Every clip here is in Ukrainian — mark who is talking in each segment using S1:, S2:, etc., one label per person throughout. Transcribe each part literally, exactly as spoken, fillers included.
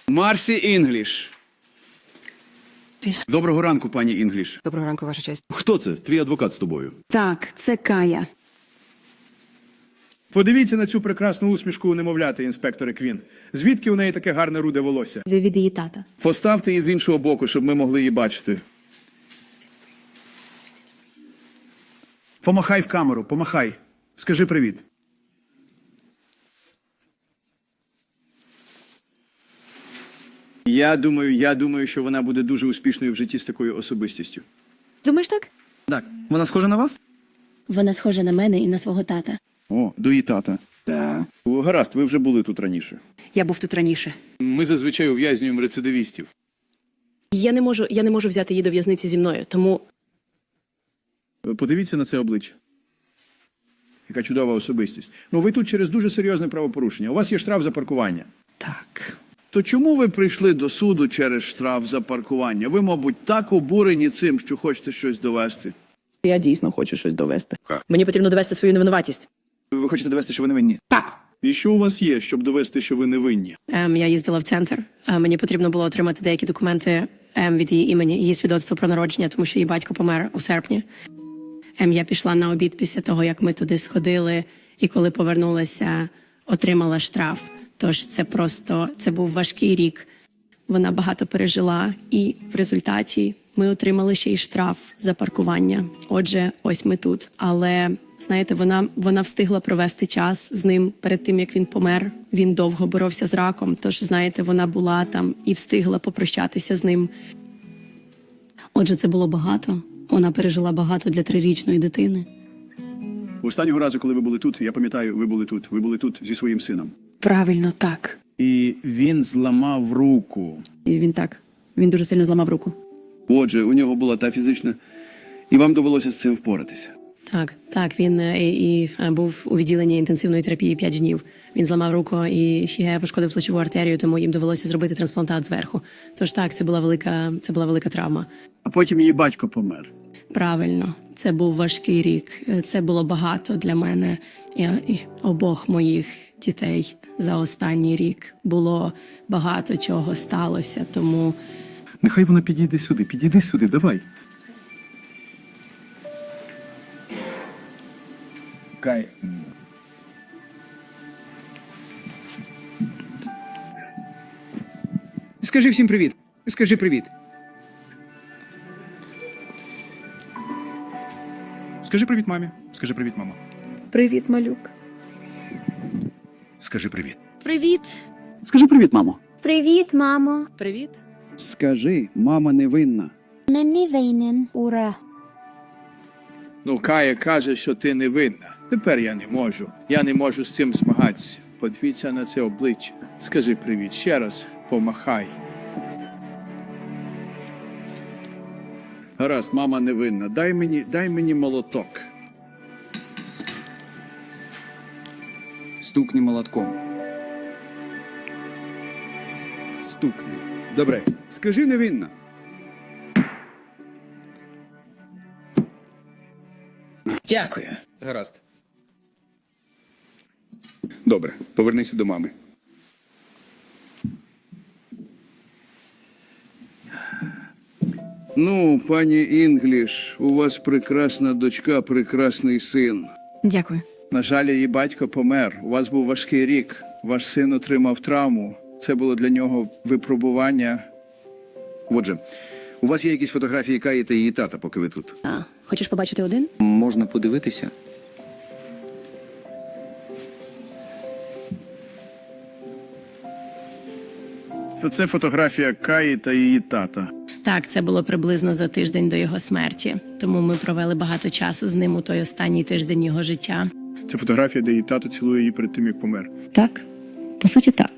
S1: Марсі Інгліш. Доброго ранку, пані Інгліш.
S2: Доброго ранку, ваша честь.
S1: Хто це? Твій адвокат з тобою?
S3: Так, це Кая.
S4: Подивіться на цю прекрасну усмішку у немовляти, інспекторе Квін. Звідки у неї таке гарне руде волосся?
S5: Ви від її тата.
S1: Поставте її з іншого боку, щоб ми могли її бачити.
S4: Помахай в камеру, помахай. Скажи привіт.
S1: Я думаю, я думаю, що вона буде дуже успішною в житті з такою особистістю.
S2: Думаєш так?
S6: Так, вона схожа на вас?
S5: Вона схожа на мене і на свого тата.
S6: О, до її тата.
S1: Так. Гаразд, ви вже були тут раніше.
S2: Я був тут раніше.
S4: Ми зазвичай ув'язнюємо рецидивістів.
S2: Я не можу, я не можу взяти її до в'язниці зі мною, тому
S1: Подивіться на це обличчя. Яка чудова особистість. Ну, ви тут через дуже серйозне правопорушення. У вас є штраф за паркування.
S2: так.
S1: То чому ви прийшли до суду через штраф за паркування? Ви, мабуть, так обурені цим, що хочете щось довести.
S7: Я дійсно хочу щось довести.
S2: Мені потрібно довести свою невинуватість.
S6: Ви хочете довести, що ви невинні?
S2: Так.
S1: І що у вас є, щоб довести, що ви невинні?
S2: Ем, я їздила в центр. А мені потрібно було отримати деякі документи ем, від її імені, її свідоцтво про народження, тому що її батько помер у серпні. Ем, я пішла на обід після того, як ми туди сходили, і коли повернулася, отримала штраф. Тож це просто, це був важкий рік. Вона багато пережила, і в результаті ми отримали ще й штраф за паркування. Отже, ось ми тут. Але, знаєте, вона, вона встигла провести час з ним перед тим, як він помер. Він довго боровся з раком, тож, знаєте, вона була там і встигла попрощатися з ним.
S5: Отже, це було багато. Вона пережила багато для трирічної дитини.
S1: Останнього разу, коли ви були тут, я пам'ятаю, ви були тут. Ви були тут зі своїм сином.
S2: Правильно, так.
S4: І він зламав руку.
S2: І він так. Він дуже сильно зламав руку.
S1: Отже, у нього була та фізична, і вам довелося з цим впоратися.
S2: Так, так, він е, і, і е, був у відділенні інтенсивної терапії п'ять днів. Він зламав руку і ще пошкодив плечову артерію, тому їм довелося зробити трансплантат зверху. Тож так, це була велика, це була велика травма.
S8: А потім її батько помер.
S2: Правильно, це був важкий рік. Е, Це було багато для мене і, і обох моїх дітей за останній рік. Було багато чого сталося, тому
S6: Нехай вона підійде сюди, підійди сюди, давай.
S4: Кай.
S7: Скажи всім привіт. Скажи привіт.
S6: Скажи привіт мамі. Скажи привіт, мамо.
S3: Привіт, малюк.
S4: Скажи привіт.
S9: Привіт.
S8: Скажи привіт, мамо.
S9: Привіт, мамо.
S2: привіт.
S8: Скажи, мама невинна.
S9: Не не винен. Ура.
S4: Ну, Кая каже, що ти невинна. Тепер я не можу. Я не можу з цим змагатися. Подивіться на це обличчя. Скажи привіт ще раз. Помахай.
S1: Гаразд, мама невинна. Дай мені, дай мені молоток.
S6: Стукни молотком.
S1: Стукни. Добре. Скажи невинна.
S7: Дякую.
S6: Гаразд.
S4: Добре, повернися до мами.
S1: Ну, пані Інгліш, у вас прекрасна дочка, прекрасний син.
S2: Дякую.
S4: На жаль, її батько помер. У вас був важкий рік. Ваш син отримав травму. Це було для нього випробування.
S1: Отже, у вас є якісь фотографії Каї та її тата, поки ви тут?
S2: А, хочеш побачити один?
S6: Можна подивитися?
S4: Це фотографія Каї та її тата.
S2: Так, це було приблизно за тиждень до його смерті. Тому ми провели багато часу з ним у той останній тиждень його життя.
S4: Це фотографія, де її тато цілує її перед тим, як помер.
S5: Так, по суті, так.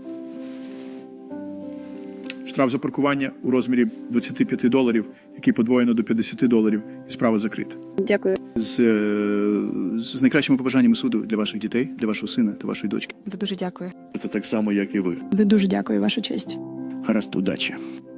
S4: Штраф за паркування у розмірі двадцять п'ять доларів, який подвоєно до п'ятдесят доларів, і справа закрита.
S2: Дякую.
S4: З, е, з найкращими побажаннями суду для ваших дітей, для вашого сина та вашої дочки.
S2: Ви дуже дякую.
S1: Це так само, як і ви.
S2: Ви дуже дякую, ваша честь.
S8: Гаразд, удачі.